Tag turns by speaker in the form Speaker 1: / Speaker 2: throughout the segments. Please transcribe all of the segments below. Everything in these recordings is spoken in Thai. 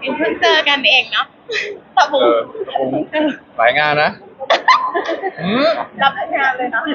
Speaker 1: ยังเพิ่งเจอกันเองเนาะตะบุง
Speaker 2: หลายงานนะม
Speaker 1: รับงานเลยเนาะ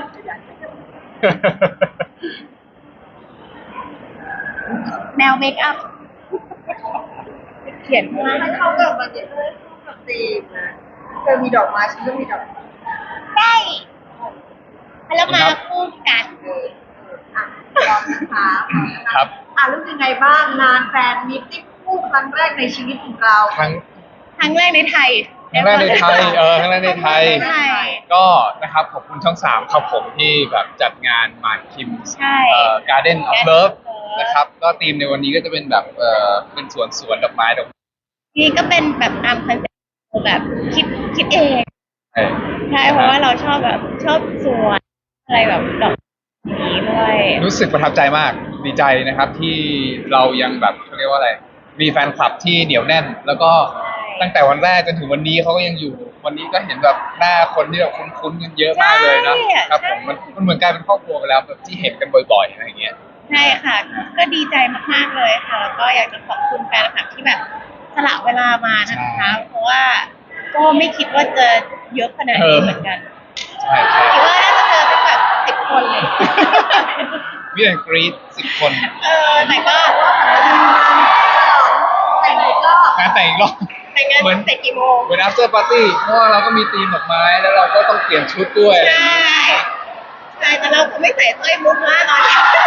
Speaker 1: แนวเมคอัพเขียนมา
Speaker 3: ให้เข้ากับมันจะเข้ากับธีมนะเธอมีดอกไม้ฉันก็มีดอกไม้
Speaker 1: ได้แล้วมาคู่กัน
Speaker 3: อ่ะลองนะคะ
Speaker 2: ครับ
Speaker 3: รู้สึกยังไงบ้างงานแฟนมีตติ้งคู่ครั้งแรกในชีวิตของเรา
Speaker 2: ครั้ง
Speaker 1: ครั้งแรกในไทย
Speaker 2: ครั้งแรกในไทยครั้งแรกในไทย
Speaker 1: ใช่
Speaker 2: ก็นะครับขอบคุณช่อง3ครับผมที่แบบจัดงานหมากคิม
Speaker 1: ใช่
Speaker 2: Garden of
Speaker 1: Garden
Speaker 2: Love
Speaker 1: of Love
Speaker 2: นะครับก็ธีมในวันนี้ก็จะเป็นแบบเป็นสวนดอกไม้ดอก
Speaker 1: นี่ก็เป็นแบบตามคอนเซ็ปต์แบบคิดเอง
Speaker 2: ไม้
Speaker 1: ใช่เพราะว่าเราชอบแบบชอบสวนอะไรแบบดอกนี้ด้วย
Speaker 2: รู้สึกประทับใจมากดีใจนะครับที่เรายังแบบเขาเรียกว่าอะไรมีแฟนคลับที่เหนียวแน่น แล้วก็ตั้งแต่วันแรกจนถึงวันนี้เขาก็ยังอยู่วันนี้ก็เห็นแบบหน้าคนที่แบบคุ้นๆกันเยอะมากเลยนะครับผมมันเหมือนกลายเป็นครอบครัวไปแล้วแบบที่เห็นกันบ่อยๆอะไรอย่างเงี้ย
Speaker 1: ใช่ค่ะ ก็ดีใจมากๆเลยค่ะ แล้วก็อยากจะขอบคุณแฟนคลับที่แบบสละเวลามานะคะ เพราะว่าก็ไม่คิดว่าจะเยอะขนาดนี้เหมือนกัน
Speaker 2: ใช่ใช่
Speaker 1: คิดว่าน่าจะเจอเป็นแบบ10 คนเลย
Speaker 2: มีแต่กรี๊ด10 คน
Speaker 1: แต่ก็
Speaker 3: แต่งงานก็
Speaker 2: งานแต่งอีกรอบ
Speaker 1: แต่งงานเสร็จกี่โมง
Speaker 2: เหมือน after party เพราะว่าเราก็มีธีมดอกไม้แล้วเราก็ต้องเปลี่ยนชุดด้วยอะไรอ
Speaker 1: ใช่
Speaker 2: ย่างเงี้ย
Speaker 1: ใช่แต่เราคงไม่ใส่สร้อยมุกมากเนาะ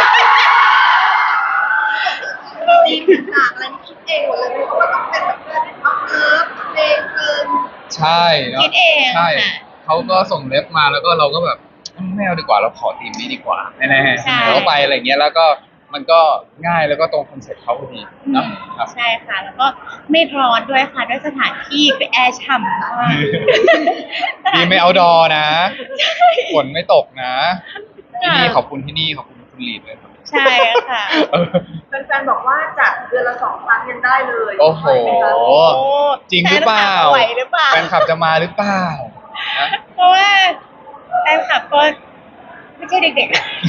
Speaker 3: ธีมต่างๆอะไรนี่คิดเองหมดเลยเพราะว่าต้องเป็นแบบเพื่อนเอาเลิฟเพลงเกิน
Speaker 2: ใช่เนาะ
Speaker 1: คิดเอง
Speaker 2: ใช่
Speaker 1: ค่ะ
Speaker 2: เขาก็ส่งเล็บมาแล้วก็เราก็แบบไม่เอาดีกว่าเราขอธีมนี้ดีกว่าแน่ๆ
Speaker 1: ใช่
Speaker 2: เราก็ไปอะไรเงี้ยแล้วก็มันก็ง่ายแล้วก็ตรงคอนเซ็ปต์เขาพอดีเนาะครับ
Speaker 1: ใช่ค่ะ แล้วก็ไม่ร้อนด้วยค่ะ ด้วยสถานที่ไปแอร์ฉ่ำมาก
Speaker 2: ดีไม่เอาดอนะฝนไม่ตกนะที่นี่ขอบคุณที่นี่ขอบคุณคุณลีดเลยครับ
Speaker 1: ใช่ค่ะ
Speaker 2: เออ
Speaker 3: แฟนๆบอกว่าจัดเดือนละ2 ครั้งยังได้เลย
Speaker 2: โอ้โห
Speaker 3: ไหมคะ
Speaker 2: จริงหรือเปล่า
Speaker 1: แฟนคลับไหวหรือเปล่า
Speaker 2: แฟนคลับจะมาหรือเปล่านะ
Speaker 1: เพราะว่าแฟนคลับก็ไม่ใช่เด็ก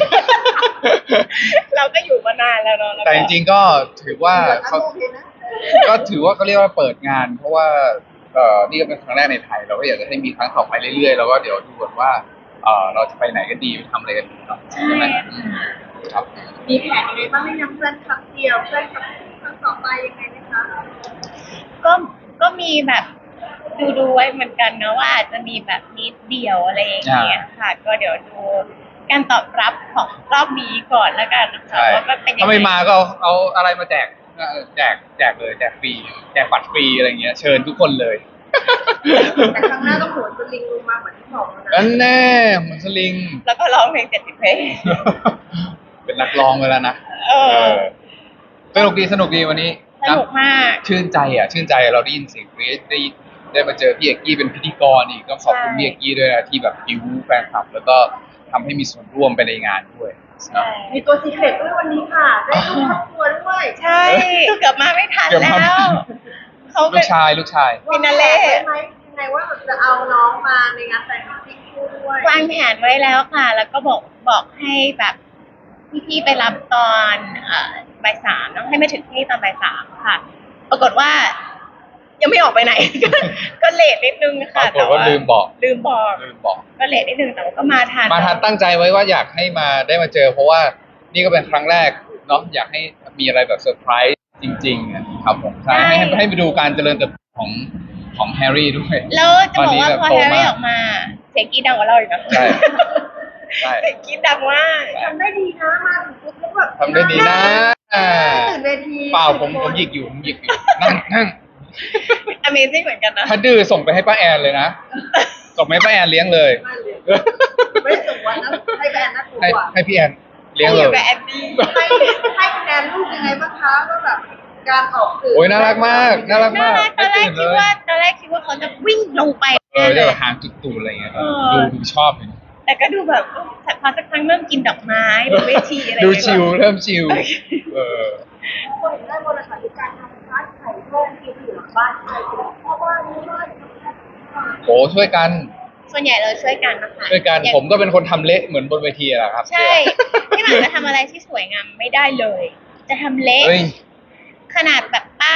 Speaker 1: ๆ เราก็อยู่มานานแล้วเนาะล้วก็
Speaker 2: แต่จริงๆก็ถือว่า
Speaker 3: เดือนละ
Speaker 2: เขา
Speaker 3: โอเคนะ
Speaker 2: ก็ถือว่าเขาเรียกว่าเปิดงาน เพราะว่านี่ก็เป็นครั้งแรกในไทยเราก็อยากจะให้มีครั้งต่อไปเรื่อยๆแล้วก็เดี๋ยวดูก่อนว่าเราจะไปไหนกันดีไปทำอะไรกันดีเนาะ
Speaker 1: ใช่
Speaker 2: ไหม
Speaker 1: ค่ะ
Speaker 2: ครับ
Speaker 3: มีแผนยังไงบ้างให้ยังเพื่อนครั้งเดียวเพื่อนครั้งต่อไปยังไงไหมคะ
Speaker 1: ก็มีแบบดูไว้เหมือนกันนะว่าอาจจะมีแบบนิดเดียวอะไรอย่างเงี้ยค่ะ ก็เดี๋ยวดูการตอบรับของรอบนี้ก่อนแล้วกันนะคะ
Speaker 2: ใช่
Speaker 1: ว่าก็เป็นยัง
Speaker 2: ถ้า
Speaker 1: ไง
Speaker 2: ไม่มาก็เอาอะไรมาแจกแจกเลยแจกฟรีแจกบัตรฟรีอะไรเงี้ยเชิญทุกคนเลย
Speaker 3: แต่ครั้งหน้าต้องโหนสลิงลงมาเหมือนที่บอกแล้วนะ
Speaker 2: นั่นแน่เหมือนสลิง
Speaker 1: แล้วก็ร้องเพลง70 เพลง
Speaker 2: เป็นนักร้องไปแล้วนะ
Speaker 1: เออ
Speaker 2: สนุกดีวันนี้
Speaker 1: สนุกมาก
Speaker 2: ชื่นใจเราได้ยินเสียงกรี๊ดได้มาเจอพี่เอกกี้เป็นพิธีกรอีกก็ขอบคุณพี่เอกกี้ด้วยนะที่แบบบิวแฟนคลับ แล้วก็ทำให้มีส่วนร่วมไปในงานด้วย
Speaker 1: ใช่
Speaker 3: มีตัวซีเครตด้วยวันนี้ค่ะ ได้ดูครอบครัวด้วย
Speaker 1: ใช่ เกือบมาไม่ทัน
Speaker 2: เกือบ
Speaker 1: แล้
Speaker 2: มา
Speaker 1: ว เขา
Speaker 2: ลู
Speaker 1: เป็น
Speaker 2: กชาย
Speaker 1: ฟินาเล่
Speaker 3: ได้ไหมยังไงว่าจะเอาน้องมาในงานแต่งงานที่คู่ด้วย
Speaker 1: วางแผนไว้แล้วค่ะ แล้วก็บอกให้แบบพี่ๆไปรับตอนบ่าย 3ต้องให้มาถึงที่ตอนบ่าย 3ค่ะ ปรากฏว่า ยังไม่ออกไปไหน ก็เลทนิดนึง
Speaker 2: ปรา
Speaker 1: ค่ะ
Speaker 2: กฏว่าลืมบอก
Speaker 1: ลืมบอก
Speaker 2: บอก
Speaker 1: ก็เลทนิดนึงแต่ว่าก็มาทัน
Speaker 2: มาทันตั้งใจไว้ว่าอยากให้มาได้มาเจอ เพราะว่านี่ก็เป็นครั้งแรกเนาะอยากให้มีอะไรแบบเซอร์ไพรส์จริงๆอะครับผมใช่ให้ไปดูการเจริญเติบโตของแฮร์รี่ด้วย
Speaker 1: แล้วจะบอกว่าพอ
Speaker 2: ต
Speaker 1: แฮ
Speaker 2: น
Speaker 1: ร์
Speaker 2: นี้
Speaker 1: รี่
Speaker 2: แบบโตมาก
Speaker 1: ออกมา เสียงกรีดดังกว่าเราอีกนะ
Speaker 2: ใช่ใช่
Speaker 1: เสียงกรีดดังมาก
Speaker 3: ทำได้ดีนะมาถึงปุ๊บแล้วแบบ
Speaker 2: ทำได้ดีนะ
Speaker 3: ตื่นเวที
Speaker 2: เปล่าผมหยิกอยู่นั่ง
Speaker 1: Amazing เหมือนกันนะ
Speaker 2: ถ้าดื้อส่งไปให้ป้าแอนเลยนะส่งไปให้ป้าแอนเลี้ยงเลย
Speaker 3: ไม่ส่งวันนะให้แบรนด์น่ากลัว
Speaker 2: ให้พี่แอนเลี้ยงเลย
Speaker 1: อยู่กับแอนดี้
Speaker 3: ให้คะแนนลูกยังไงบ้างคะว่าแบบการออกสื่อ
Speaker 2: โอ้ยน่ารักมากน่ารัก
Speaker 1: น่าม
Speaker 2: าก
Speaker 1: รักตอนแรก
Speaker 2: ไม่
Speaker 1: คิ
Speaker 2: ตื่
Speaker 1: ด
Speaker 2: นเลย
Speaker 1: ว่าเขาจะวิ่งลงไป
Speaker 2: จะ
Speaker 1: เลย
Speaker 2: แบบหางจุดตูดอะไรเงี้ย
Speaker 1: เออ
Speaker 2: ดูชอบเลย
Speaker 1: แต่ก็ดูแบบพอสักครั้งเริ่มกินดอกไม้บนเวทีอะไร
Speaker 2: ดูชิลเริ่มชิลเออ
Speaker 3: คนได้บริษัทในการทำร้านไข่เพิ่มที่อยู่หลังบ้านไข่เพราะว่านี่ว่า
Speaker 2: โหช่วยกัน
Speaker 1: ส่วนใหญ่เราช่วยกันนะคะ
Speaker 2: ช่วยกัน
Speaker 1: อย่าง
Speaker 2: ผมก็เป็นคนทำเละเหมือนบนเวทีแหละครับ
Speaker 1: ใช่พี่หมากจะทำอะไรที่สวยงามไม่ได้เลย จะทำเละ
Speaker 2: เฮ้ย
Speaker 1: ขนาดแบบป้าย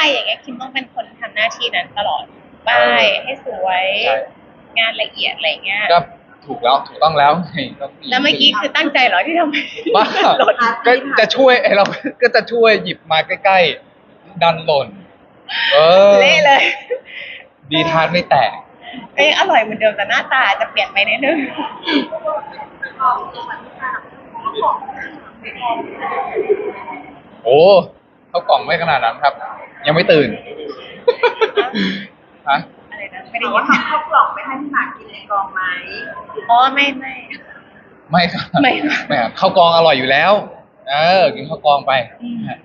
Speaker 1: อย่างเงี้ยคิมต้องเป็นคนทำหน้าที่นั้นตลอดป้ายให้สวย
Speaker 2: ใช่
Speaker 1: งานละเอียดอะไรเงี้ย
Speaker 2: ก็ถูกแล้วถูกต้องแล้วไงก็
Speaker 1: แล้วเมื่อกี้คือตั้งใจเหรอที่ทำให้
Speaker 2: บ้า
Speaker 1: หล่น
Speaker 2: ก็จะช่วยไอ้เราก็จะช่วยหยิบมาใกล้ๆดันหล่น
Speaker 1: เละเลย
Speaker 2: ดีทานไม่แตก
Speaker 1: ก็ยังอร่อยเหมือนเดิมแต่หน้าตาจะเปลี่ยนไปนิดนึง
Speaker 2: โอ้เขากล่องไม่ขนาดนั้นครับ ยังไม่ตื่น ฮะ
Speaker 1: อะไรนะไม่ได้
Speaker 3: แต่
Speaker 1: ยิ
Speaker 3: ว่าน ทำข้าวกล่องไปให้พี่หมากกินในกองไหม
Speaker 1: อ๋อไม่
Speaker 2: ไม่ครับ
Speaker 1: ไม่ครับ
Speaker 2: ไม่ครับข้าวกองอร่อยอยู่แล้ว กินข้าวกองไป
Speaker 3: ค่ะ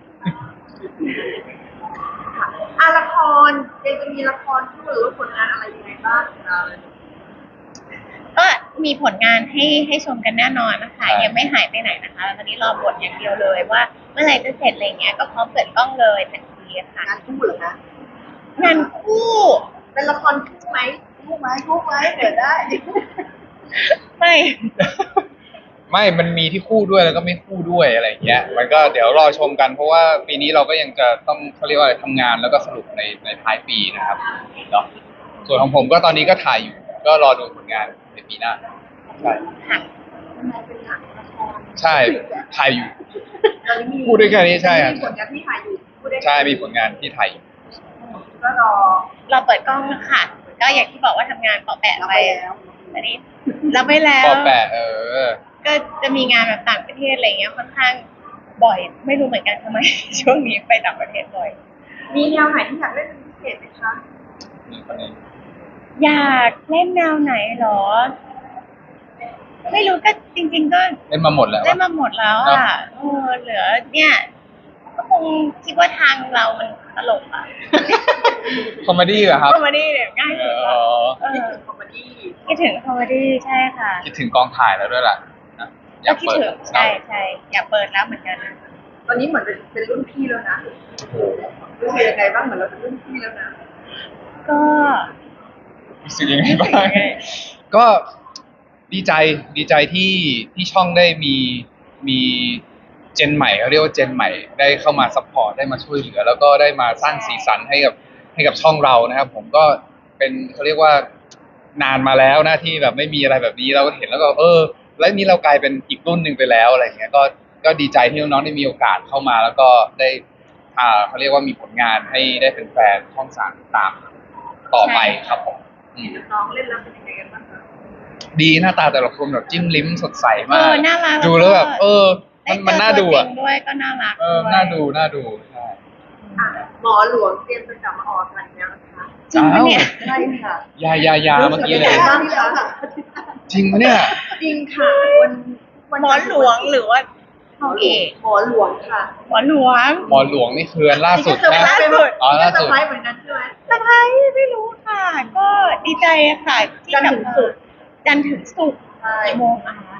Speaker 3: ละครยังจะมีละครคู่หรือว่าผลงานอะไรยังไงบ้างคะ
Speaker 1: ก็มีผลงานให้ชมกันแน่นอนนะคะ
Speaker 2: ใช่
Speaker 1: ยังไม่หายไปไหนนะคะตอนนี้รอบทอย่างเดียวเลยว่าเมื่อไหร่จะเสร็จอะไรเงี้ยก็พร้อมเปิดกล้องเลยทันทีค่ะ
Speaker 3: งานคู่เหรอคะ
Speaker 1: งานคู่
Speaker 3: เป็นละครคู่ไหมคู่ไหมคู่ไหมเปิดได้
Speaker 1: ไม่
Speaker 2: ไม่มันมีที่คู่ด้วยแล้วก็ไม่คู่ด้วยอะไรอย่างเงี้ย มันก็เดี๋ยวรอชมกันเพราะว่าปีนี้เราก็ยังจะต้องเขาเรียกว่าอะไรทำงานแล้วก็สรุปในท้ายปีนะครับเนาะส่วนของผมก็ตอนนี้ก็ถ่ายอยู่ ก็รอดูผลงานในปีหน้า ใช่
Speaker 1: ค่ะ
Speaker 3: ทำไมเป็นหนังละคร
Speaker 2: ใช่ถ่ายอยู่
Speaker 3: ตอนนี้มี
Speaker 2: พูดได้แค่นี้ใช่ครับ
Speaker 3: มีผลงานที่ถ่ายอยู่พูดได้
Speaker 2: ใช่มีผลงานที่ถ่ายอยู่
Speaker 3: ก็รอ
Speaker 1: เราเปิดกล้องค่ะก็อย่างที่บอกว่าทำงานเปาะแปะ
Speaker 3: เรา
Speaker 1: ไป
Speaker 3: ไปแล้ว
Speaker 1: อันนี้เราไปแล้ว
Speaker 2: ปอแปะ
Speaker 1: ก็จะมีงานแบบต่างประเทศอะไรเงี้ยค่อนข้างบ่อย ไม่รู้เหมือนกันทำไม ช่วงนี้ไปต่างประเทศบ่อย
Speaker 3: มีแนวไหนที่อยากเล่นเป็นพิเศษไหมคะ
Speaker 2: นี่คนนี้
Speaker 1: อยากเล่นแนวไหนเหรอ ไม่รู้ก็จริง ๆ ก็
Speaker 2: เล่นมาหมดแล้ว
Speaker 1: เล่นมาหมดแล้วอ่ะเหลือเนี่ยก็คงคิดว่าทางเรามันตลกอ่ะ
Speaker 2: คอมเมดี้เหรอครับ
Speaker 1: คอมเมดี้เนี่ยง่ายสุดแล้วเอ
Speaker 3: คิด
Speaker 1: อ
Speaker 3: ถึงคอมเมดี้
Speaker 1: คิดถึงคอมเมดี้ใช่ค่ะ
Speaker 2: คิดถึงกองถ่ายแล้วด้วยล่ะนะอยา
Speaker 1: ก็
Speaker 2: ก
Speaker 1: คิด
Speaker 2: เปิด
Speaker 1: ถึงใช่อยากเปิดแล้วเหมือนกัน
Speaker 3: ตอนนี้เหมือนเป็นรุ่นพี่แล้วนะ
Speaker 2: โอ้โห
Speaker 3: รู้สึกยังไงบ้างเหมือนเราเป็นรุ่นพี่แล้วนะ
Speaker 1: ก็
Speaker 2: รู้สึกยังไง
Speaker 1: รู้สึก
Speaker 2: บ้าง
Speaker 1: ยังไง
Speaker 2: ก็ดีใจที่ช่องได้มีเจนใหม่เขาเรียกว่าเจนใหม่ได้เข้ามาซัพพอร์ตได้มาช่วยเหลือ แล้วก็ได้มาสร้างสีสันให้กับช่องเรานะครับ ผมก็เป็นเขาเรียกว่านานมาแล้วนะที่แบบไม่มีอะไรแบบนี้เราก็เห็นแล้วก็แล้วนี้เรากลายเป็นอีกรุ่นหนึ่งไปแล้วอะไรอย่างเงี้ยก็ดีใจที่น้องๆได้มีโอกาสเข้ามา แล้วก็ได้เขาเรียกว่ามีผลงานให้ได้เป็นแฟนช่องสามตามต่อไปครับผมอืม
Speaker 3: น้องเล่นแล้วเป็นยังไงกันบ้างคะ
Speaker 2: ดีหน้าตาแต่ละคนแบบจิ้มลิ้มสดใส
Speaker 1: เอ
Speaker 2: มาก
Speaker 1: อน่ารัก
Speaker 2: ดูแล้วแบบ
Speaker 1: ได้
Speaker 2: มันน่าดูอ่ะ
Speaker 1: เจตัวจริงด้วยก็น่ารัก
Speaker 2: น่าดูใช่
Speaker 3: อ่ะหมอหลวงเตรียมจะกลับมาออกกันแล้วนะคะ
Speaker 1: จริงปะเนี่ย
Speaker 3: ใช่ค่ะ
Speaker 2: ยาเมื่อกี้เลย
Speaker 3: รู้สึกยังไงบ้างคะ
Speaker 2: จริงปะเนี่ย
Speaker 3: จริงค่ะวัน
Speaker 1: หมอหลวงหรือว่า
Speaker 3: หมอหลวงหมอหลวงค่ะ
Speaker 1: หมอหลวง
Speaker 2: หมอหลวงนี่คืออันล่าสุด
Speaker 3: นี่ก็
Speaker 2: นะ
Speaker 3: เซอร์ไพรส์
Speaker 2: อ๋อล่าสุด
Speaker 3: นี่ก็เซอร์ไพรส์เหมือนกันใช่ไหม
Speaker 1: สะพ้ายไม่รู้ค่ะ ก็ดีใจค่ะที่
Speaker 3: จันทร์ถึงศุกร์
Speaker 1: จันทร์ถึงศุกร์
Speaker 3: ใช่
Speaker 1: กี่โมงอะคะ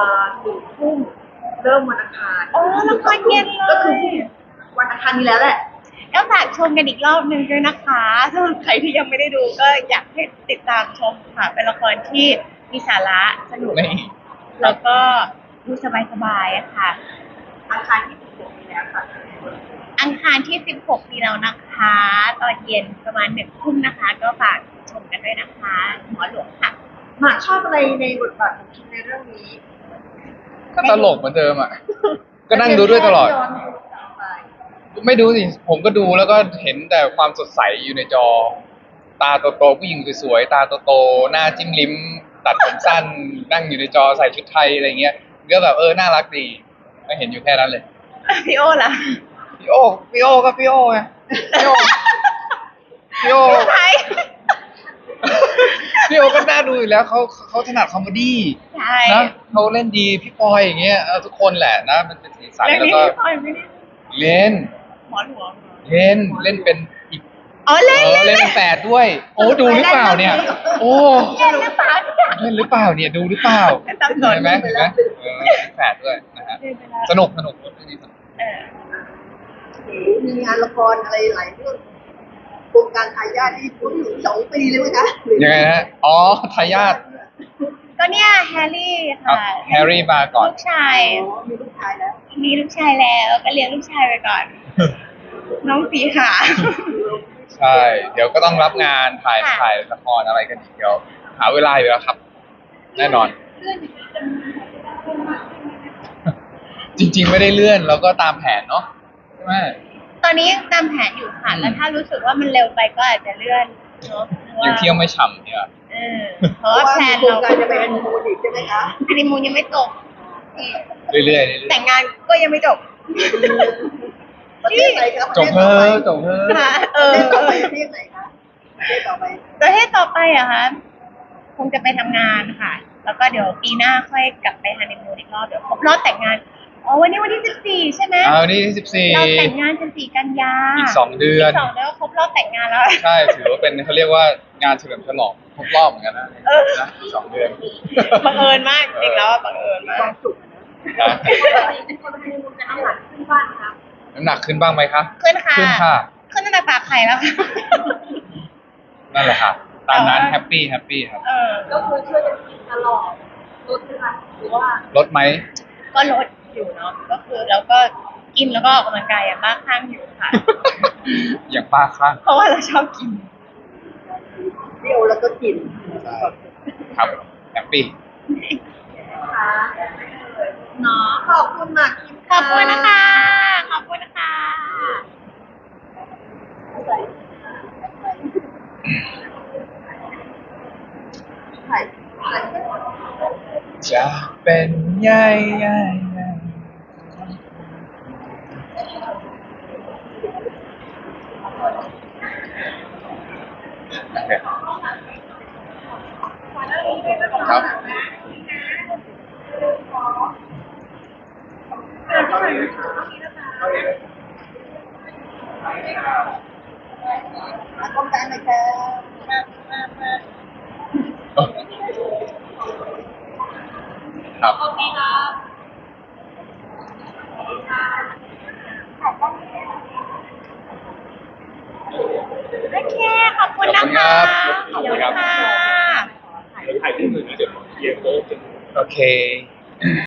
Speaker 3: 1 ทุ่มเริ่มวันอังคาร
Speaker 1: อ๋อละครเย็นเลย
Speaker 3: ก็คือวันอังคารนี้แล้วแหละ
Speaker 1: ก็ฝากชมกันอีกรอบหนึ่งด้วยนะคะสำหรับใครที่ยังไม่ได้ดูก็อยากให้ติดตามชมค่ะ เป็นละครที่มีสาระสนุก
Speaker 2: นี่
Speaker 1: แล้วก็ดูสบายๆอะค่ะ
Speaker 3: อังคารที่16นี้แล้วค่ะ
Speaker 1: อังคารที่ 16 มีแล้วนะคะ ตอนเย็นประมาณ1 ทุ่มนะคะ ก็ฝากชมกันด้วยนะคะ หมอหลวงค่ะ
Speaker 3: หมากชอบอะไรในบทบาทของคิมในเรื่องนี้
Speaker 2: ก็ตลกเหมือนเดิมอ่ะ ก็นั่งดูด้วยตลอด
Speaker 3: ย้นดูกลับไป
Speaker 2: ไม่ดูสิ ผมก็ดูแล้วก็เห็นแต่ความสดใสอยู่ในจอ ตาโตๆผู้หญิงสวยๆ ตาโตๆ หน้าจิ้มลิ้ม ตัดผมสั้น นั่งอยู่ในจอใส่ชุดไทยอะไรเงี้ย ก็แบบน่ารักดีก็เห็นอยู่แค่นั้นเลย
Speaker 1: พี่โอล่ะ
Speaker 2: พี่โอก็พี่โอไงพี่โอพี่โอ
Speaker 1: ใช่
Speaker 2: พี่โอก็น่าดูอยู่แล้วเขาถนัดคอมเมดี้
Speaker 1: ใช่
Speaker 2: นะเขาเล่นดีพี่ปอยอย่างเงี้ยทุกคนแหละนะมันเป็นสีสัน
Speaker 1: เรื่อง
Speaker 2: แล้ว
Speaker 1: นี้
Speaker 2: ก็
Speaker 1: พี่พลอยไม่ได้
Speaker 2: เล่น
Speaker 1: หมอหลวง
Speaker 2: เล่นเป็นอีก
Speaker 1: อ๋อเล่น
Speaker 2: เล่นเป็นแฝดด้วย โอ้ดูหรือเปล่าเนี่ย โอ้
Speaker 1: เล่นหรือเปล่าเนี่ย
Speaker 2: เล่นหรือเปล่าเนี่ยดูหรือเปล่า
Speaker 1: ตามสน
Speaker 2: เห็นไหมเป็นแฝดด้วยนะฮะ
Speaker 1: เล่นไปแล้ว
Speaker 2: สนุกเรื่องนี้สนุก
Speaker 1: เออ
Speaker 3: มีงานละครอะไรหลายเรื่องโครงการทายาทที่พ้นถึง2 ปีเลยไหมคะหรือ
Speaker 2: ยังไงฮะอ๋อทายาท
Speaker 1: ก็เนี่ยแฮร์รี่
Speaker 2: ครับ
Speaker 1: ค่ะ
Speaker 2: แฮร์รี่มาก่อน
Speaker 1: ลูกชาย
Speaker 3: อ๋อมีลูกชายแล้ว
Speaker 1: มีลูกชายแล้วก็เลี้ยงลูกชายไปก่อนน้องสีขา
Speaker 2: ใช่ เดี๋ยวก็ต้องรับงานถ่าย
Speaker 1: ค่ะ
Speaker 2: ถ่ายละครอะไรกันอีกเดี๋ยวหาเวลาอยู่แล้วครับ แน่นอน จริง ๆ ไม่ได้เลื่อนเราก็ตามแผนเนาะใช่ไหม
Speaker 1: ตอนนี้ยังตามแผนอยู่ค่ะ แล้วถ้ารู้สึกว่ามันเร็วไปก็อาจจะเลื่อนเนาะพราะ
Speaker 2: ยังเที่ยวไม่ฉ่ำเนี่ย
Speaker 1: เออเพราะว่าแพลน
Speaker 3: โครง
Speaker 1: เรา
Speaker 3: การจะไปฮันนีมูนอีกใช่ไหมคะ
Speaker 1: ฮันนีมูนยังไม่จบ
Speaker 2: เรื่อยๆเรื่อย
Speaker 1: แต่งงานก็ยังไม่จบ
Speaker 3: ประเทศไหนครับ
Speaker 2: ๆจบเพ้อจบเพ้อ
Speaker 1: ค่ะ
Speaker 3: ประเทศไหนคะประเทศต่อไป
Speaker 1: ประเทศต่อไปอะคะคงจะไปทำงานค่ะ แล้วก็เดี๋ยวปีหน้าค่อยกลับไปฮันนีมูนอีกรอบเดี๋ยวครบรอบแต่งงานอ๋อวันนี้วันที่14ใช่ไหม
Speaker 2: เอานี่14
Speaker 1: เราแต่งงาน14 กันยา
Speaker 2: อีก2 เดือน
Speaker 1: อีก2 เดือนก็ครบรอบแต่งงานแล้ว
Speaker 2: ใช่ถือว่าเป็นเขาเรียกว่างานเฉลิมฉลองครบรอบเหมือนกันนะ
Speaker 1: เออ
Speaker 2: นะอีก2 เดือน
Speaker 1: บังเอิญมากจริงแล้วอะบังเอิญมาก
Speaker 2: นะ
Speaker 3: คนฮันนีมูนจะน้ำหนักขึ้นบ้างครับ
Speaker 2: น้ำหนักขึ้นบ้างไหมคะ
Speaker 1: ขึ้นค่ะ
Speaker 2: ขึ้นค่ะ
Speaker 1: ขึ้นตั้งแต่ปากไข่แล้วค่ะ
Speaker 2: นั่นแหละค่ะ ตามนั้น
Speaker 1: แต่ว่า
Speaker 2: แฮปปี้ครับ
Speaker 1: เออ
Speaker 3: ก็คือช่วยกันกินตลอดลดนะคะหรือว่า
Speaker 2: ลดไหม
Speaker 1: ก็ลดอยู่เนาะก็คือแล้วก็กินแล้วก็ออกกำลังกายอย่างบ้าคลั่งอยู่ค่ะ
Speaker 2: อย่างป้าข้าง
Speaker 1: เพราะว่าเราชอบกิน
Speaker 3: เที่ยวแล้วก็กิน
Speaker 2: ครับแฮปปี้
Speaker 3: ค่ะเนาะขอบคุณมากคิม
Speaker 1: ขอบคุณนะคะ ขอบคุณนะคะ
Speaker 3: ถ่าย
Speaker 2: จะเป็นใหญ่ใหญ่ใหญ่โอเคครับ
Speaker 3: ต้องการไหมคะ
Speaker 2: ครับ
Speaker 1: โอเค ขอบคุณนะคะ
Speaker 2: ขอบคุณครับ
Speaker 1: เดี๋ยวค่ะ
Speaker 2: โอเค